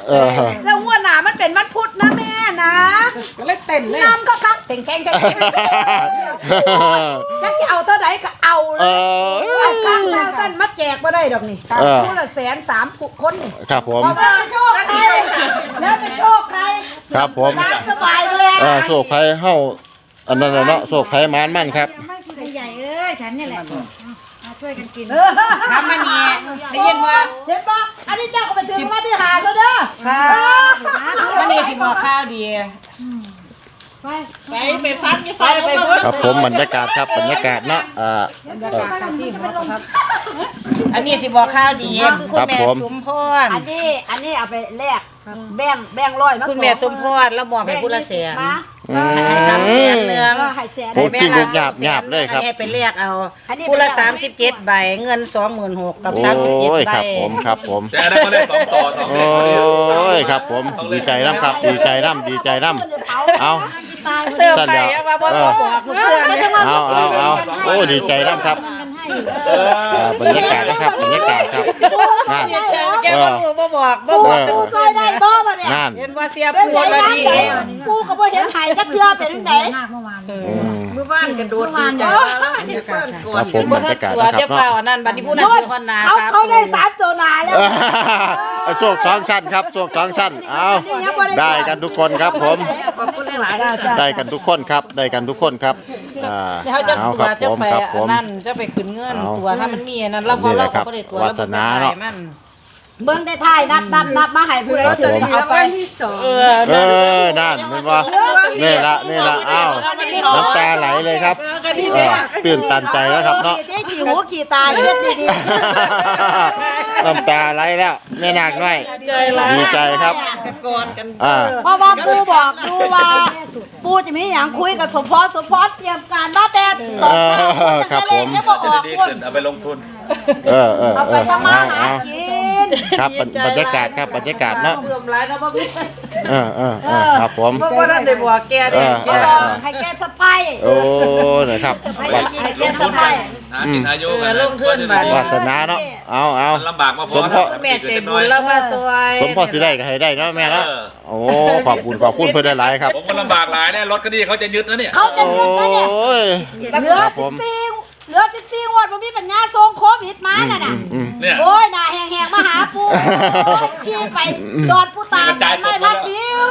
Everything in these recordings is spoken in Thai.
แล้วหัวหนามันเป็นวันพุธนะแม่นะก็เลยเต้นเลยน้ำก็คักเต่งแข่งจะเอาเท่าไหร่ก็เอาเลยครั้งแล้วสั้นมาแจกมาได้ดอกนี่คู่ละ130,000 คนนี่ครับผมแล้วโชคใครแล้วเป็นโชคใครครับผมสบายเลยโชคไผ่เฮาอันนั้นเนาะโชคไผ่มันครับใหญ่ฉันนี่แหละช่วยกันกินทำมันเนี่ยได้ยินว่าเห็นปะอันนี้เจ้าก็ไปถึงมาที่หาแล้วเด้อค่ะมันนี่ที่บอกข้าวดีไปฟังไปครับผมบรรยากาศครับบรรยากาศเนาะอันนี้สิบอกข้าวดีคือคุณแม่สมพรอันนี้เอาไปแลกแบ่งร้อยมาคุณแม่สมพรแล้วมอบให้ผู้ละแสนให้ทำแสนเนื้อผมกินลูกหยาบเลยครับให้ไปเรียกเอาผู้ละ37 ใบเงิน26,000กับ37 ใบครับผมแต่ได้ก็ได้2 ต่อ2 โอ้ยครับผมดีใจน้ำครับดีใจน้ำเอาเสื้อไปว่าบ่บอกเพื่อนเอาโอ้ดีใจน้ำครับบรรยากาศนะครับบรรยากาศครับนั่นแกบ่บอกซอยได้บ่มาเนี่ยเห็นว่าเสียปูละดีปูก็บ่เห็นไห้จักเทื่อเป็นจังได๋เมื่อวานกันโดดดีใจครับผมบรรยากาศนะครับเนาะนั่นบัดนี้ผู้นั้นคือคนนาเขาได้3 ตัวนาแล้วโชค2 ชั้นครับโชค2 ชั้นเอาได้กันทุกคนครับผมได้กันทุกคนครับได้กันทุกคนครับเอาครับผมครับผมนั่นจะไปขึ้นเงินตัวถ้ามันมีนั่นเราก็บ่ได้ตัววาสนาเนาะเบิ่งได้ถ่ายนับมาให้ผู้ใดถึงเอาไปที่ 2นั่นเป็นว่านี่ละอ้าวน้ำตาไหลเลยครับตื่นตันใจแล้วครับเนาะเจ๊ขี้หูขี้ตาเย็ดดีน้ำตาไหลแล้วแม่นาคน้อยดีใจครับเพราะว่าปู่บอกดูว่าปู่จะมีอย่างคุยกับสมพรเตรียมการมาแต่ตอนเช้าครับผมดีขึ้นเอาไปลงทุนเอาไปทำมาหากินครับบรรยากาศครับบรรยากาศเนาะครับผมเพราะว่านั่นได้บอกแกได้ให้แกสไปโอ้นะครับให้แกสไปกินอายุกันลงทุนวาสนาเนาะเอาลำบากมาพอแม่ใจบุญแล้วมาซอยสมพรสิได้ก็ให้ได้เนาะแม่เนาะโอ้ขอบคุณเพิ่นได้หลายครับผมก็ลำบากหลายเนี่ยรถก็ดีเขาจะยึดนะเนี่ยเขาจะยึดนะเนี่ยเหลือ14 งวดบ่มีปัญญาส่งโควิดมาน่ะโอ้ยหน้าแห้งๆมาหาปู่ขี่ไปดอดผู้ตาไม่พัดวิว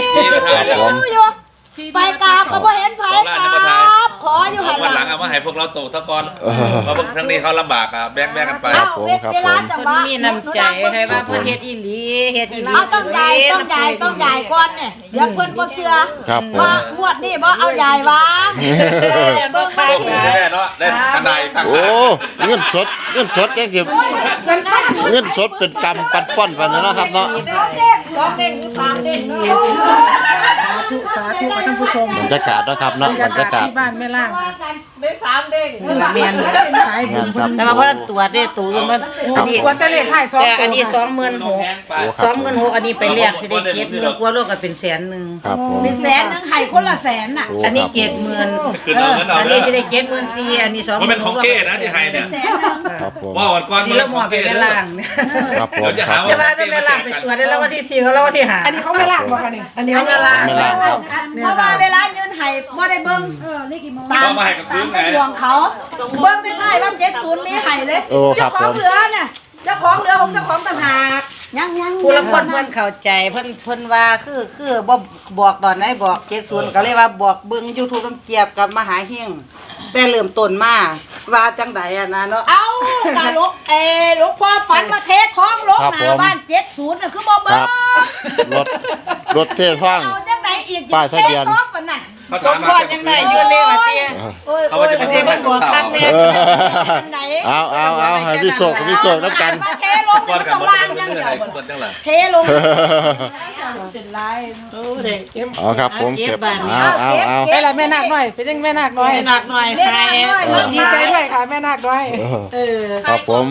ไปกราบก็บ่เห็นไผกราบขออยู่หั่นวันหลังเอามาให้พวกเราโตตะกอนเพราะพวกทั้งนี้เขาลำบากอ่ะแบ่งกันไปเวลาจังหวะมีน้ำใจให้ว่าเพิ่นเฮ็ดอีหลีต้องใหญ่ก่อนเนี่ยเดี๋ยวเพิ่นบ่เชื่อว่างวดนี้บ่เอาใหญ่วะบ่ขายแน่เนาะได้กันใดตั้งโอ้เงินสดยังสิเงินสดเป็นกำปัดป้อนไปเนาะครับเนาะ 2 เด้ง 3 เด้งสาธุท่านผู้ชมบรรยากาศนะครับเนาะบรรยากาศที่บ้านแม่ล่างได้3 เด้งแม่นสายบุญแต่ว่าบ่ตรวจได้ตู่มันนี่กว่าจะเลขให้ 2แต่อันนี้26,000อันนี้ไปเรียกสิได้70,000กว่าโลก็เป็น100,000 เป็น100,000ให้คนละ100,000น่ะอันนี้70,000อันนี้สิได้74,000อันนี้20,000 มันเป็นของเก้นะที่ให้เนี่ยว่าวันก่อนนี่ละหมอไปแม่ล่างครับผมจะหาว่าแม่ล่างไปตรวจได้แล้ววันที่4แล้ววันที่5อันนี้เขาไม่ล่างบ่คะนี่อันนี้เขาไม่ล่างเพราะว่าเวลายืนไห้บ่ได้เบิ่งนี่กี่โมงตามไปดวงเขาเบิ่งได้ท้ายว่า70มีไห้เลยเจ้าของเหลือเนี่ยเจ้าของเหลือของเจ้าของต่างหากยังผู้ละคนเพิ่นเข้าใจเพิ่นว่าคือบ่บอกตอนไหนบอก70ก็เลยว่าบอกเบิ่ง YouTube น้ำเจี๊ยบกับมหาเฮงแต่เริ่มต้นมาว่าจังได๋อ่ะนะเนาะเอ้ากะลูกพ่อฝันมาเทท้องลงหน้าบ้าน70น่ะคือบ่เบิ่งรถเทท้องเอาจังได๋อีกป้ายทะเบียนปานนั้นสมพรยังได้อยู่เลยว่าเตี้ยเขาจะไปเบิ่งบอกครั้งนี้เอาให้พี่โศกนำกันเทลงตรงล่างจังเดียวเทลงเป็นไรอ๋อครับผมเก็บเอาไปละแม่นาคหน่อยเป็นจังแม่นาคน้อยให้ดีใจด้วยค่ะแม่นาคน้อยครับผม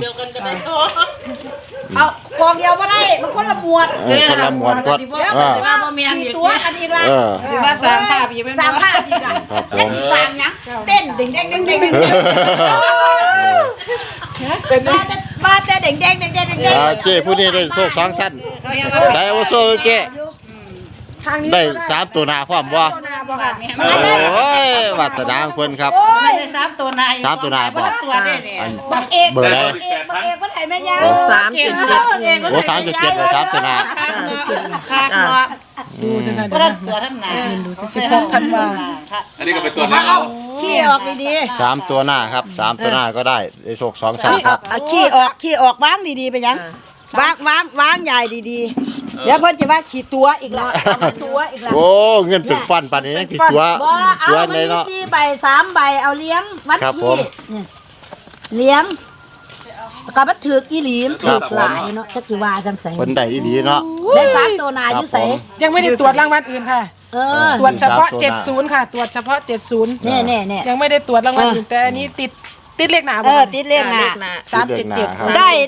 เอากองเดียวบ่ได้มันคนละหมวดคนละหมวดก็สิว่าบ่แม่นตัวอันอีกละสิว่า3ภาพอีกแม่น 3ภาพอีกอ่ะจังสิ3หยังเต้นดึงๆๆๆเป็นมาแต่เด้งๆเเจ้ผู้นี้ได้โชค2ชั้นใส่เอาโซ่เจ้ได้3ตัวหน้าพร้อมบ่โอ้ยวาสนาของเพิ่นครับไม่ได้3ตัวนาย 3ตัวหน้าบ่ตัวได้เนี่ยอันบักเอกเบอร์ใดบักเอกบ่ได้แม่ยาโอ้377ว่า3ตัวหน้าขาดเนาะดูจังได๋เพราะตัวทั้งหนา 16ธันวาอันนี้ก็เป็นตัวหน้าเอาขี้ออกดี 3ตัวหน้าครับ3ตัวหน้าก็ได้ได้โชค2ชั้นครับๆเอาขี้ออกวางดีๆไปยังวางใหญ่ดีๆเดี๋ยวเพิ่นจะว่าขี้ตัวอีกแล้วเอาตัวอีกแล้วโอ้เงินเป็นฟันปานนี้ยังสิตัวบ่เอาตัวมันในมีเนาะ 4ใบ3ใบเอาเลี้ยงวัดครับผขี้มนี่เลี้ยงแล้วก็บัดถือกอีหลีมครัถืบอกหลายเนาะจักสิว่าจังไสเพิ่นได้อีหลีเนาะได้3ตัวหนาอยู่ไสครับผมยังไม่ได้ตรวจรางวัลอื่นค่ะเออตรวจเฉพาะมี3ตัวหน้า 70ค่ะ ตรวจเฉพาะ70 แน่ๆยังไม่ได้ตรวจรางวัลอื่นแต่อันนี้ติดเลขหนาเออติดเลขหน้า 377 ครับ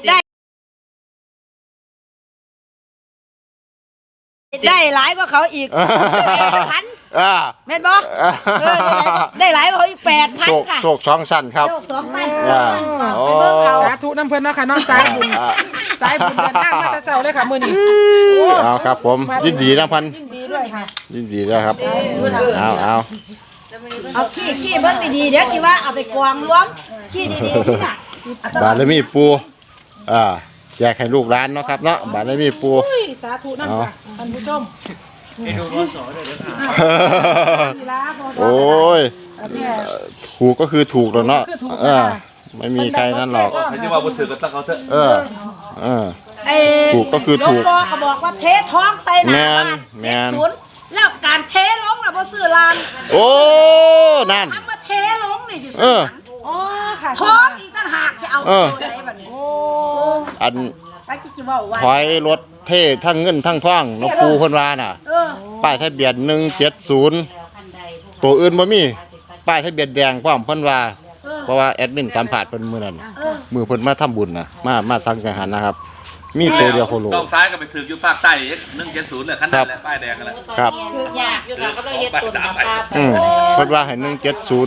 ได้หลายกว่าเขาอีก8,000 อ่าแม่นบ่ได้หลายกว่าเขาอีกโชค 8,000ค่ะโชค2ชั้นครับโชค2พันอ่าโอ้สาธุน้ำเพิ่นเนาะค่ะน้องสายบุญสายบุญเดินทางมาแต่เช้าเลยค่ะมื้อนี้เอาครับผมยินดีนะพันยินดีด้วยค่ะยินดีด้วยครับเอาเอาขี้เบิ่งดีๆเดี๋ยวสิว่าเอาไปกองรวมขี้ดีๆนี่น่ะบารมีปูแจกให้ลูกร้านเนาะครับเนาะบารมีปูอุ้ยสาธุน้ำค่ะท่านผู้ชมโอ้ยแม่ถูกก็คือถูกแล้วเนาะคือถูกไม่มีใครนั่นหรอกใครที่ว่าบุญถือก็ต้องเขาเถอะถูกก็คือถูกหลวงพ่อก็บอกว่าเทท้องใส่หน้าบ้านแม่น 70แล้วการเทลงน่ะบ่ซื้อลานโอ้นั่นทำมาเทลงนี่สิเอซื้อออ๋อค่ะท้องอีกต่างหากจะเอาตัวไหนบัดนี้อันไปจิเว้าไว้ถอยรถเท่ทั้งเงินทั้งทองหลวงปู่เพิ่นว่าน่ะเออป้ายทะเบียน170ตัวอื่นบ่มีป้ายทะเบียนแดงพร้อมเพิ่นว่า เพราะว่าแอดมินสัมภาษณ์เพิ่นมื้อนั้นมือเพิ่นมาทำบุญน่ะมาสังฆทานนะครับ มีตัวเดียวโคโลต้องซ้ายก็ไปถืออยู่ภาคใต้170เลยขั้นนั้นแหละป้ายแดงกันแหละครับอยากอยู่ค่ะก็เลยเฮ็ดตุนนะคะเพิ่นว่าให้170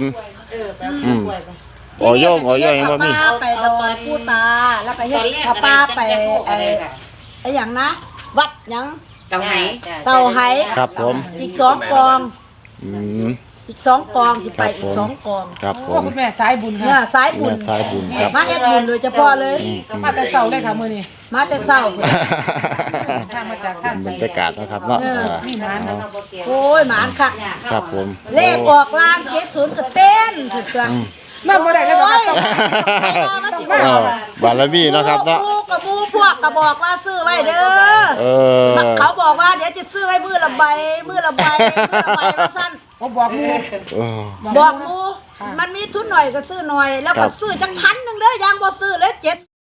อ๋อย่อยังบ่มีป้าไปดอนผู้ตาแล้วก็เฮ็ดพาป้าไปไอ้หยังนะวัดหยังเต่าไหเต่าไหครับผมอีก2กองอืมอีก2กองสิไปอีก2กองครับผโอ้มคุณแม่สายบุญเนี่ยค่ะสายบุญแม่สายบุญครับมาเฮ็ดบุญโดยเฉพาะเลยมาแต่เช้าเลยค่ะมื้อนี้มาแต่เช้าทางมาจากทางบรรยากาศนะครับเนาะนี่นานนะโอ้ยหมานคักครับผมเลขออกลาง70ก็เต้นถึกตัวนั่งบ่ได้เลยบ่โอ้ค่ะยต้องมาสิบารมีเนาะครับเนาะกับหมู่พวกก็บอกว่าซื้อไว้เด้อ เขาบอกว่าเดี๋ยวจะซื้อไว้มือละใบว่าสั้นผมบอกหมู่บอกหมูมันมีทุนหน่อยก็ซื้อหน่อย แล้วก็ซื้อจัง1,000เด้อยังบ่ซื้อเลย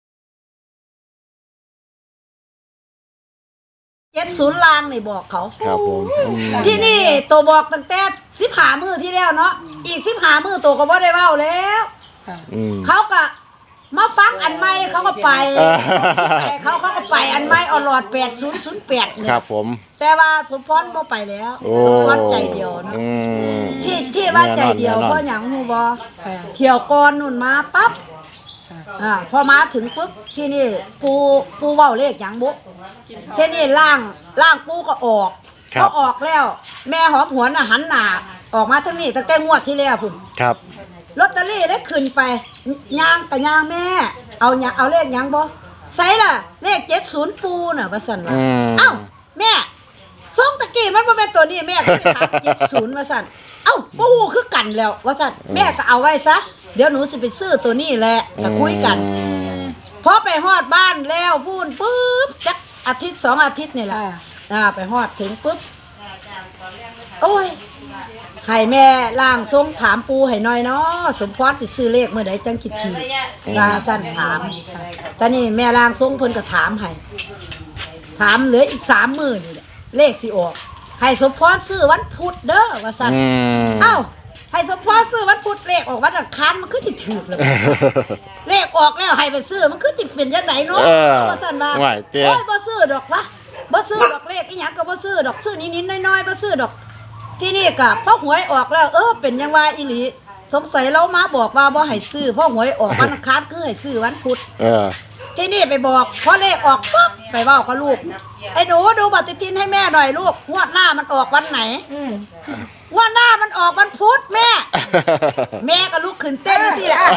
70ล้านนี่บอกเขาครับผมที่นี่ตัวบอกตั้งแต่15มื้อที่แล้วเนาะอีก15มื้อตัวก็บ่ได้เว้าแล้ว เขาก็มาฟังอันใหม่เขาก็ไปเขาก็ไปอันใหม่อลอด8008เนี่ยครับผมแต่ว่าสมพรบ่ไปแล้วโอ้สมพรใจเดียวเนาะอืมที่ว่าใจเดียวแน่นอนเพราะหยังฮู้บ่เที่ยวก่อนนู่นมาปั๊บพอมาถึงปุ๊บที่นี่ปูเว้าเลขหยังบ่ที่นี่ล่างปูก็ออกครับก็ออกแล้ว แม่หอมหวนน่ะหันหน้าออกมาทางนี้ตั้งแต่งวดที่แล้วพุ่นครับลอตเตอรี่ได้ขึ้นไปย่างกับย่างแม่ เอาเลขหยังบ่ใส่ล่ะ เลข70ปูน่ะว่าซั่นว่าเอ้าแม่ส่งตะกี้มันบ่แม่นตัวนี้แม่ก็ถาม70ว่าซั่นเอ้าบ่ฮู้คือกันแล้วว่าซั่นแม่ก็เอาไว้ซะเดี๋ยวหนูสิไปซื้อตัวนี้แหละก็คุยกันพอไปฮอดบ้านแล้วพูนปุ๊บจักอาทิตย์2อาทิตย์นี่แหละไปฮอดถึงปุ๊บโอ้ยให้แม่ล่างทรงถามปูให้หน่อยเนาะสมพรสิซื้อเลขเมื่อใดจังคิดถูกลาสั้นถามแต่นี่แม่ล่างทรงเพิ่นก็ถามให้ถามเหลืออีก3มื้อนี่แหละเลขสิออกให้สมพรซื้อวันพุธเด้อว่าซั่นเอ้าให้สมพรซื้อวันพุธเลขออกวันอังคารมันคือสิถูกแล้วเลขออกแล้วให้ไปซื้อมันคือสิเป็นจังไดเนาะว่าซั่นว่าไหวเตี้ยโอ้ยบ่ซื้อดอกวะบ่ซื้อดอกเลขอีหยังก็บ่ซื้อดอกซื้อนิดๆน้อยๆบ่ซื้อดอกที่นี่ก็พอหวยออกแล้วเป็นยังว่าอีหลีสงสัยเรามาบอกว่าบ่ให้ซื้อเพราะหวยออกวันอังคารคือให้ซื้อวันพุธที่นี่ไปบอกพอเลขออกปุ๊บไปเว้ากับลูกไอ้หนูดูปฏิทินให้แม่หน่อยลูกงวดหน้ามันออกวันไหนงวดหน้ามันออกวันพุธแม่ แม่ก็ลุกขึ้นเต้นสิแหละ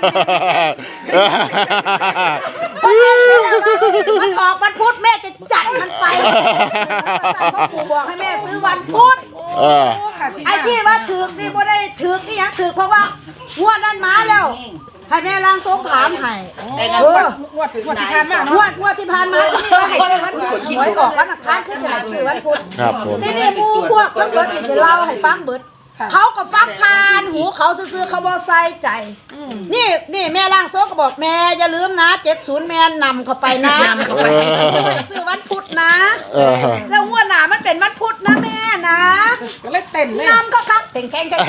มันออกวันพุธแม่จะจัดมันไปเพราะปู่บอกให้แม่ซื้อวันพุธไอ้ที่ว่าถือนี่บ่ได้ถือนี่ยังถือเพราะว่างวดนั้นมาแล้วให้แม่ล้างทรงถามให้งวดที่ผ่านมาเนาะงวดที่ผ่านมาที่ว่าให้ซื้อวันพุธหวยออกวันอังคารคือจะให้ซื้อวันพุธครับผมที่นี่หมู่พวกทั้งเบิดนี่จะเล่าให้ฟังเบิดเขาก็ฟังผ่านหูเขาซื่อๆเขาบ่ใส่ใจนี่แม่ล่างโซก็บอกแม่อย่าลืมนะ70แม่นำเข้าไปนะซื้อวันพุธนะแล้วหัวหน้ามันเป็นวันพุธนะแม่นะก็เลยเต้นเลยนำก็คักแข่งๆ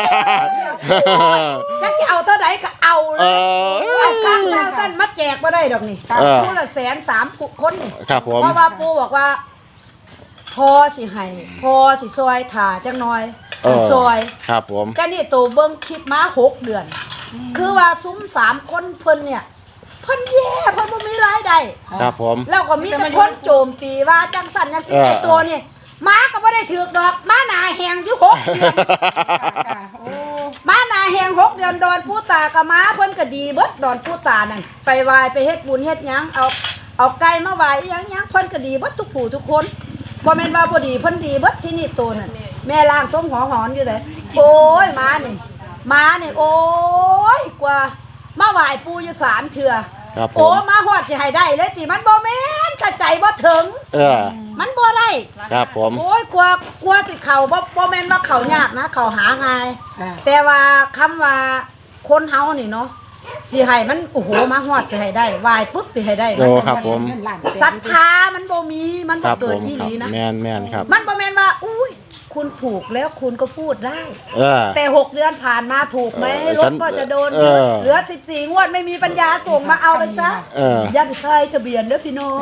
ถ้าจะเอาเท่าไหร่ก็เอาเลยเอาสร้างดาวสั้นมาแจกบ่ได้ดอกนี่คู่ละ130,000คนนี่ครับผมเพราะว่าปู่บอกว่าพอสิให้พอสิซอยถ่าจังหน่อยซอยครับผมก็นี่โตเบิ่งคลิปมา6 เดือน คือว่าซุ้ม3 คนเพิ่นเนี่ยเพิ่นแย่เพิ่นบ่มีรายได้ครับผมแล้วก็มีแต่คนโจมตีว่าจังสั่นจังซี่ไอ้ตัวนี่ม้าก็บ่ได้ถือกดอกม้าหน้าแหงอยู่6 เดือนม้าหน้าแหง6 เดือนดอนผู้ตากับม้าเพิ่นก็ดีเบิดดอนผู้ตานั่นไปไหว้ไปเฮ็ดบุญเฮ็ดหยังเอาไก่มาไหว้อีหยังเพิ่นก็ดีเบิดทุกผู้ทุกคนบ่แม่นว่าบ่ดีเพิ่นดีเบิดที่นี่ตัวนั่นแม่ล่างส้มหอนอยู่เลยโอ้ยม้านี่โอ้ยกว่ามาไหว้ปู่อยู่3 เทื่อครับผมโอ้มาฮอดสิให้ได้เลยติมันบ่แม่นถ้าใจบ่ถึงมันบ่ได้ครับผมโอ้ยกลัวสิเข้าบ่แม่นว่าเข้ายากนะเข้าหาง่ายแต่ว่าคำว่าคนเฮานี่เนาะสิให้มันโอ้โหมาฮอดสิให้ได้ไหว้ปุ๊บสิให้ได้โอ้ครับผมศรัทธามันบ่มีมันคบ่รับเกิผดมอีหลีนะแมนครับมันบ่แม่นว่าอุ้ยคุณถูกแล้วคุณก็พูดได้ แต่ 6 เดือนผ่านมาถูกไหมรถก็จะโดนเหลือ14 งวดไม่มีปัญญาส่งมาเอาไปซะอย่าไปใส่ทะเบียนเด้อพี่น้อง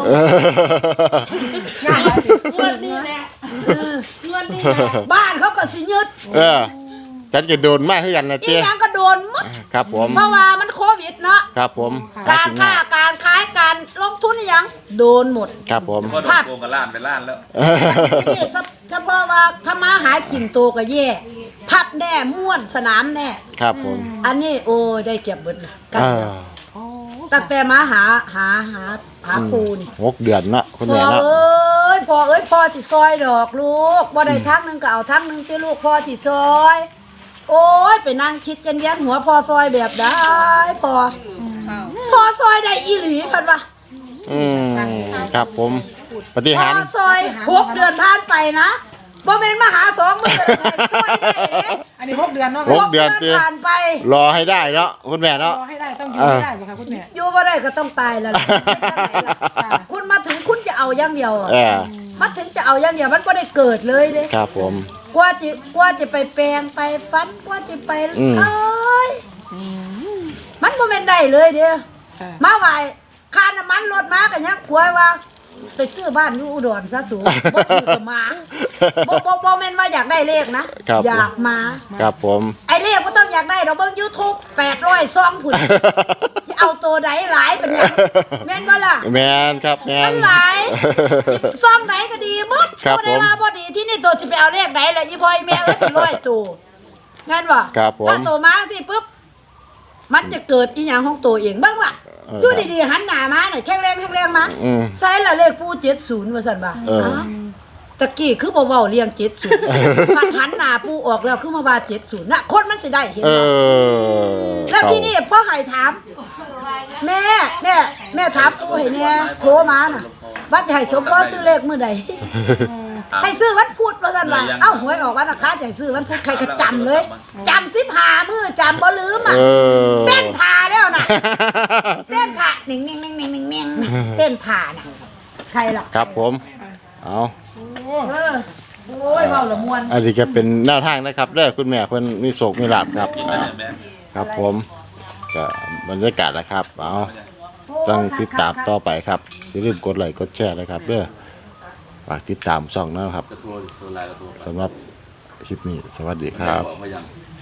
งวดนี้แหละงวดนี้แหละบ้านเขาก็สิยึดฉันจะโดนมากขึ้นกันนะอีเจ๊หยังก็โดนหมดครับผมเพราะว่ามันโควิดเนาะครับผมการค้าการขายการลงทุนอีหยังโดนหมดครับผมก็โดนโกงกับล้านเป็นล้านแล้วนี่เฉพาะว่าถ้ามาหากินโตก็แย่พับแน่ม่วนสนามแน่ครับผมอันนี้โอ้ได้เก็บเบิดละกันตั้งแต่มาหาปูนี่ 6 เดือนเนาะคุณพ่อแม่เนาะเอ้ยพ่อสิซอยดอกลูกบ่ได้ทั้งนึงก็เอาทั้งนึงสิลูกพ่อสิซอย โอ้ยไปนั่งคิดกันเวียนหัวพ่อซอยแบบได้พ่อซอยได้อีหลีเพิ่นว่าครับผมปฏิพ่หาอรซอย6 เดือนผ่านไปนะบ่แม่นมาหา2 มื้อซอยได้เด้อันนี้6 เดือนเนาะ 6 เดือนผ่านไปรอให้ได้เนาะคุณแม่เนาะรอให้ได้ต้องอยู่ให้ได้บ่คะคุณแม่อยู่บ่ได้ก็ต้องตายแล้วล่ะคุณมาถึงคุณจะเอาอย่างเดียวอะมาถึงจะเอาอย่างเดียวมันบ่ได้เกิดเลยเด้ครับผมกว่าจะไปแปลงไปฟันกว่าจะไปเอ้ยมันบ่แม่นได้เลยเด้อมาไหวค่าน้ำมันรถมาก็ยังกลัวว่าไปซื้อบ้านอยู่อุดรซะสูบ่ถือก็มาบ่แม่นว่าอยากได้เลขนะอยากมาครับผมไอ้เลขบ่ต้องอยากได้ดอกเบิ่ง YouTube 800ซองพุ่นสิเอาตัวใดหลายเป็นหยังแม่นบ่ล่ะแมนครับแมมัน นหลายซองไหนก็ดีหมดครับบ่ได้ว่าบ่ดีที่นี่ตัวสิไปเอาเลขไหนล่ะอีพ่ออีแม่เอ้ยเป็นร้อยตัวงั้นบ่ครับผมถ้าตัวมาสิปุ๊บมันจะเกิดอีหยังของตัวเองบ้างว่ะอยู่ดีๆหันหน้ามาหน่อยแข็งแรงมาใส่ละเลขปู่70ว่าซั่นบ่ตะกี้คือบ่เว้าเรียง70มันหันหน้าปู่ออกแล้วคือมาว่า70น่ะคนมันสิได้เห็นแล้วที่นี่พ่อให้ถามแม่ถามปู่ให้แน่โทรมาน่ะว่าจะให้สมพรซื้อเลขมื้อใดให้ซื้อวันพุธว่าซั่นว่าเอ้าหวยออกวันอังคารจะให้ซื้อวันพุธใครก็จำเลยจำ15มื้อจำบ่ลืมอ่ะเต้นท่าแล้วน่ะเต้นท่านิ่งๆๆๆๆเต้นท่าน่ะใครล่ะครับผมเอาโอ้ยเว้าละม่วนอันนี้ก็เป็นแนวทางนะครับเด้อคุณแม่เพิ่นมีโศกมีลาภครับครับผมก็บรรยากาศนะครับเอาต้องติดตามต่อไปครับอย่าลืมกดไลค์กดแชร์นะครับเด้อฝากติดตามช่องนะครับสำหรับคลิปนี้สวัสดีครับ